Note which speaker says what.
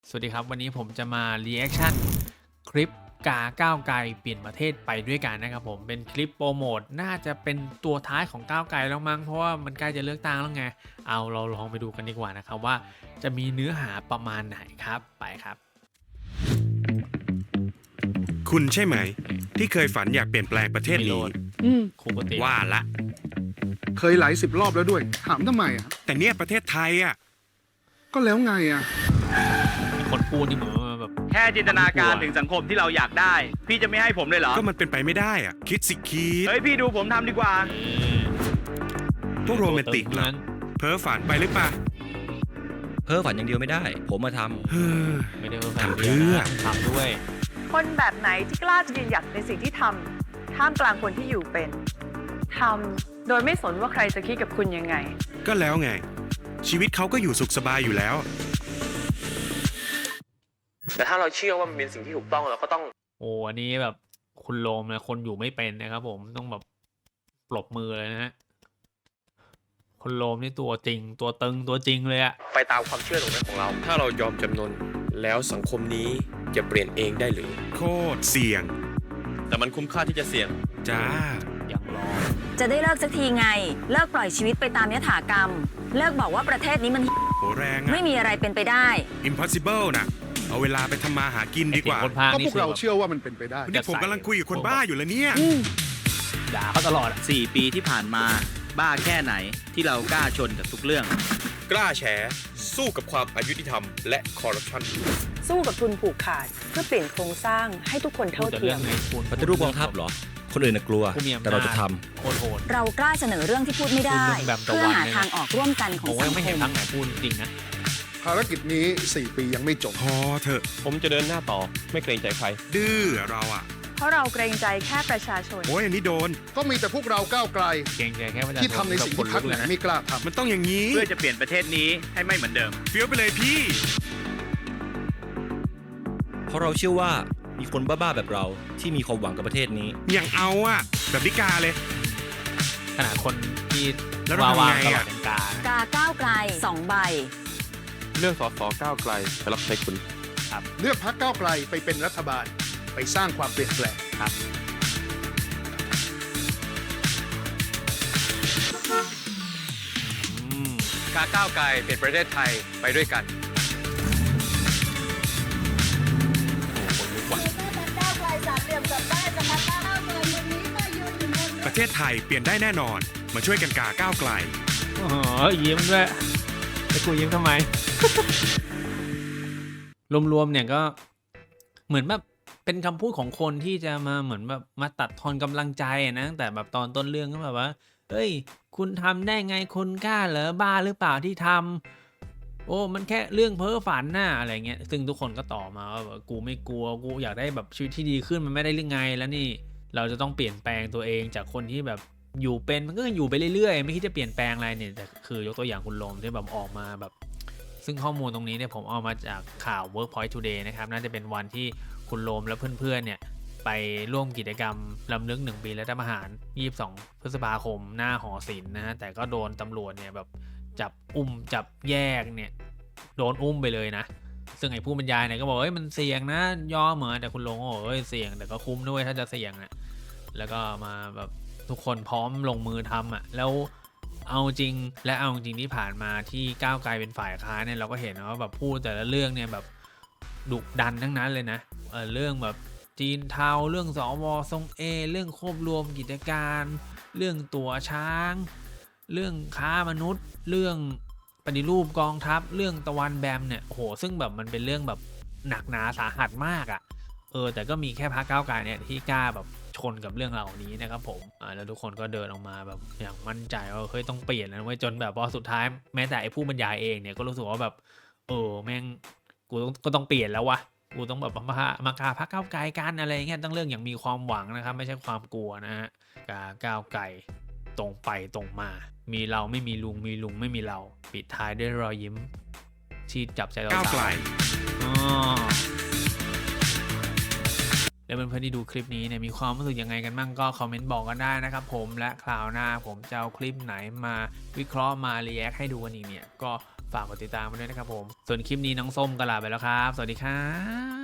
Speaker 1: สวัสดีครับวันนี้ผมจะมารีแอคชั่นคลิปกาก้าวไกลเปลี่ยนประเทศไปด้วยกันนะครับผมเป็นคลิปโปรโมทน่าจะเป็นตัวท้ายของก้าวไกลแล้วมั้งเพราะว่ามันใกล้จะเลือกตั้งแล้วไงเอาเราลองไปดูกันดีกว่านะครับว่าจะมีเนื้อหาประมาณไหนครับไปครับ
Speaker 2: คุณใช่ไหมที่เคยฝันอยากเปลี่ยนแปลงประเทศนี้
Speaker 1: ครูปติ
Speaker 2: ว่าละ
Speaker 3: เคยหลาย10 รอบแล้วด้วยถามทำไมอ่ะ
Speaker 2: แต่เนี่ยประเทศไทยอ่ะ
Speaker 3: ก็แล้วไงอ่ะ
Speaker 1: มีคนพูดนี่เหมือนแบบ
Speaker 4: แค่จินตนาการถึงสังคมที่เราอยากได้พี่จะไม่ให้ผมเลยเหรอ
Speaker 2: ก็มันเป็นไปไม่ได้อ่ะคิดสิคิด
Speaker 4: เฮ้ยพี่ดูผมทำดีกว่า
Speaker 2: พวกโรแมนติกเหรอเพ้อฝันไปหรือเปล่า
Speaker 5: เพ้อฝันอย่างเดียวไม่ได้ผมมาท
Speaker 2: ำ
Speaker 1: ไม่ได้เพ้อฝันเดียวนะทำด้วย
Speaker 6: คนแบบไหนที่กล้าจะยืนหยัดในสิ่งที่ทำท่ามกลางคนที่อยู่เป็นทำโดยไม่สนว่าใครจะคิดกับคุณยังไง
Speaker 2: ก็แล้วไงชีวิตเขาก็อยู่สุขสบายอยู่แล้ว
Speaker 7: แต่ถ้าเราเชื่อว่ามันเป็นสิ่งที่ถูกต้องเราก็ต้อง
Speaker 1: โอ้อันนี้แบบคุณโลมนะคนอยู่ไม่เป็นนะครับผมต้องแบบปรบมือเลยนะฮะคุณโลมนี่ตัวจริงตัวตึงตัวจริงเลยอะ
Speaker 7: ไปตามความเชื่อตรงนั้นของเราถ้าเรายอมจำนนแล้วสังคมนี้จะเปลี่ยนเองได้หรือ
Speaker 2: โคตรเสี่ยง
Speaker 7: แต่มันคุ้มค่าที่จะเสี่ยง
Speaker 2: จ้า
Speaker 1: อย่างรอ
Speaker 8: จะได้เลิกสักทีไงเลิกปล่อยชีวิตไปตามยถากรรมเลิกบอกว่าประเทศนี้มัน
Speaker 2: โหแรงอะ
Speaker 8: ไม่มีอะไรเป็นไปได้
Speaker 2: impossible นะเอาเวลาไปทำมาหากินดีกว่า
Speaker 3: ก็พวกเราเชื่อว่ามันเป็นไปได้
Speaker 2: นี่ผมกำลังคุยกับคนบ้าอยู่แล้วเนี่ย
Speaker 1: ด่าเขาตลอด
Speaker 4: 4 ปีที่ผ่านมาบ้าแค่ไหนที่เรากล้าชนกับทุกเรื่อง
Speaker 7: กล้าแฉสู้กับความอายุติธรรมและคอร์รัปชัน
Speaker 6: สู้กับทุนผูกขาดเพื่อเปลี่ยนโครงสร้างให้ทุกคนเท่าเทียม
Speaker 5: ำปฏิรูปกองทัพเหรอคนอื่นกลัวแต่เราจะท
Speaker 1: ำโหด
Speaker 8: เรากล้าเสนอเรื่องที่พูดไม่ได้เพื่อหาทางออกร่วมกันของสังคม
Speaker 1: ไม่เห็นทั้งไหนพูดจริงนะ
Speaker 3: ภารกิจนี้4 ปียังไม่จบ
Speaker 2: พอเถอะ
Speaker 7: ผมจะเดินหน้าต่อไม่เกรงใจใคร
Speaker 2: ดื้อเราอะ
Speaker 6: เพราะเราเกรงใจแค่ประชาชน
Speaker 2: โอ้ยอันนี้โดน
Speaker 3: ก็มีแต่พวกเราก้าวไกล
Speaker 1: เกรงใจแค่ประชาชน
Speaker 3: ที่ทำในสิ่งที่พรรคไหนไม่กล้าทำ
Speaker 2: มันต้องอย่างนี้
Speaker 4: เพื่อจะเปลี่ยนประเทศนี้ให้ไม่เหมือนเดิม
Speaker 2: เฟี้ยวไปเลยพี่
Speaker 5: เพราะเราเชื่อว่ามีคนบ้าๆแบบเราที่มีความหวังกับประเทศนี้
Speaker 2: อย่างเอาอะแบบนิกาเลย
Speaker 1: ขนาดคนที่
Speaker 2: วาง
Speaker 1: ตลอดเป็น
Speaker 8: กาก้าวไกล2 ใบ
Speaker 7: เรื่องสสก้าวไกลไปรับใช้คุณ
Speaker 3: เลือกพรรคก้าวไกลไปเป็นรัฐบาลไปสร้างความเปลี่ยนแปลง
Speaker 1: ครับ
Speaker 7: กาก้าวไกลเปลี่ยนประเทศไทยไปด้วยกัน
Speaker 2: ประเทศไทยเปลี่ยนได้แน่นอนมาช่วยกันกาก้าวไกล
Speaker 1: อ๋อยิ้มด้วยแต่กูยิ้มทำไม รวมๆเนี่ยก็เหมือนแบบเป็นคำพูดของคนที่จะมาเหมือนแบบมาตัดทอนกำลังใจนะแต่แบบตอนต้นเรื่องก็แบบว่าเฮ้ยคุณทำได้ไงคนกล้าเหรอบ้าหรือเปล่าที่ทำโอ้มันแค่เรื่องเพ้อฝันน่ะอะไรเงี้ยซึ่งทุกคนก็ต่อมาว่ากูไม่กลัวกูอยากได้แบบชีวิตที่ดีขึ้นมันไม่ได้เรื่องไงแล้วนี่เราจะต้องเปลี่ยนแปลงตัวเองจากคนที่แบบอยู่เป็นมันก็อยู่ไปเรื่อยๆไม่คิดจะเปลี่ยนแปลงอะไรเนี่ยแต่คือยกตัวอย่างคุณลมที่แบบออกมาแบบซึ่งข้อมูลตรงนี้เนี่ยผมเอามาจากข่าว Workpoint Today นะครับน่าจะเป็นวันที่คุณโลมและเพื่อนๆเนี่ยไปร่วมกิจกรรมรำลึก1 ปีรัฐประหาร22 พฤษภาคมหน้าหอศิลป์นะฮะแต่ก็โดนตำรวจเนี่ยแบบจับจับแยกเนี่ยโดนไปเลยนะซึ่งไอ้ผู้บรรยายเนี่ยก็บอกเฮ้ยมันเสี่ยงนะยอมเหมือนแต่คุณโลมก็บอกเฮ้ยเสี่ยงแต่ก็คุ้มด้วยถ้าจะเสี่ยงนะแล้วก็มาแบบทุกคนพร้อมลงมือทำแล้วเอาจริงที่ผ่านมาที่ก้าวไกลเป็นฝ่ายค้านเนี่ยเราก็เห็นว่าแบบพูดแต่ละเรื่องเนี่ยแบบดุดันทั้งนั้นเลยนะเรื่องแบบจีนเทาเรื่องสว.ทรงเรื่องควบรวมกิจการเรื่องตั๋วช้างเรื่องค้ามนุษย์เรื่องปฏิรูปกองทัพเรื่องตะวันแบมเนี่ยโหซึ่งแบบมันเป็นเรื่องแบบหนักหนาสาหัสมากแต่ก็มีแค่พรรคก้าวไกลเนี่ยที่กล้าแบบชนกับเรื่องเหล่านี้นะครับผมแล้วทุกคนก็เดินออกมาแบบอย่างมั่นใจว่าเฮ้ยต้องเปลี่ยนแล้วเว้ยจนแบบพอสุดท้ายแม้แต่ไอ้ผู้บรรยายเองเนี่ยก็รู้สึกว่าแบบแม่งกูต้องเปลี่ยนแล้ววะกูต้องแบบมากาพรรคก้าวไกลกันอะไรเงี้ยต้องเรื่องอย่างมีความหวังนะครับไม่ใช่ความกลัวนะฮะก้าวไกลตรงไปตรงมามีเราไม่มีลุงมีลุงไม่มีเราปิดท้ายด้วยรอยยิ้มที่จับใจเราก้าวไกลแล้วเพื่อนๆที่ดูคลิปนี้เนี่ยมีความรู้สึกยังไงกันบ้างก็คอมเมนต์บอกกันได้นะครับผมและคราวหน้าผมจะเอาคลิปไหนมาวิเคราะห์มารีแอคให้ดูกันอีกเนี่ยก็ฝากกดติดตามไปด้วยนะครับผมส่วนคลิปนี้น้องส้มก็ลาไปแล้วครับสวัสดีครับ